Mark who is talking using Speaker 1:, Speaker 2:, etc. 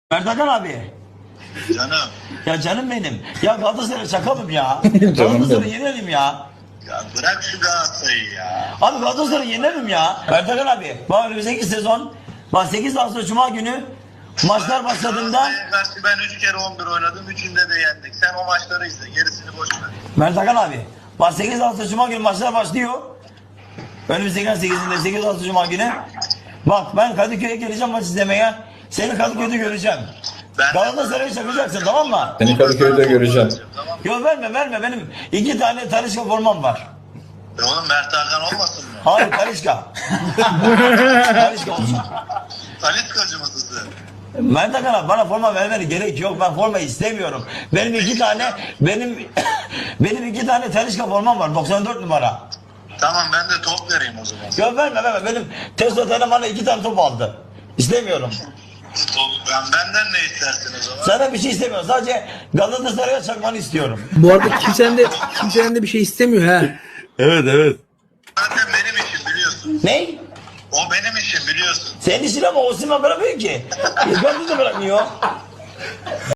Speaker 1: Merdakan abi.
Speaker 2: Canım.
Speaker 1: Ya canım benim. Ya Galatasaray çakalım ya.
Speaker 3: Canım
Speaker 1: Galatasaray'ı
Speaker 3: benim.
Speaker 1: yenelim ya.
Speaker 2: Ya bırak şu Galatasaray'ı ya.
Speaker 1: Abi Galatasaray'ı yenelim ya. Merdakan abi. Bak önümüzdeki sezon. Bak 8 Ağustos Cuma günü maçlar başladığında.
Speaker 2: Galatasaray'a karşı ben 3 kere 11 oynadım. 3'ünde de yendik. Sen o maçları izle. Gerisini boş ver.
Speaker 1: Merdakan abi. Bak 8 Ağustos Cuma günü maçlar başlıyor. Önümüzdeki 8'inde 8 Ağustos Cuma günü. Bak ben Kadıköy'e geleceğim maç izlemeye. Seni Kadıköy'de göreceğim.
Speaker 2: Ben-
Speaker 1: Galatasaray'ı çakacaksın tamam mı?
Speaker 3: Seni Kadıköy'de göreceğim.
Speaker 2: Tamam.
Speaker 1: Yok verme benim 2 tane Talişka formam var.
Speaker 2: Oğlum Mert Hakan olmasın mı?
Speaker 1: Hayır Talişka. Talişka olsun.
Speaker 2: Taliskacı mısın sen?
Speaker 1: Merdakan abi bana forma vermene gerek yok. Ben forma istemiyorum. Benim 2 tane benim 2 tane Talişka formam var 94 numara.
Speaker 2: Tamam ben de top vereyim o zaman.
Speaker 1: Yok verme benim Testo Tele bana 2 tane top aldı. İstemiyorum.
Speaker 2: Benden ne istersin o zaman?
Speaker 1: Sana bir şey istemiyorum. Sadece Galatasaray'a çakmanı istiyorum.
Speaker 4: Bu arada kimsenin de bir şey istemiyor ha.
Speaker 5: Evet.
Speaker 2: Zaten benim işim biliyorsun.
Speaker 1: Ne?
Speaker 2: O benim işim biliyorsun.
Speaker 1: Senin işin ama Osimhen bırakmıyor ki. İrfan da bırakmıyor.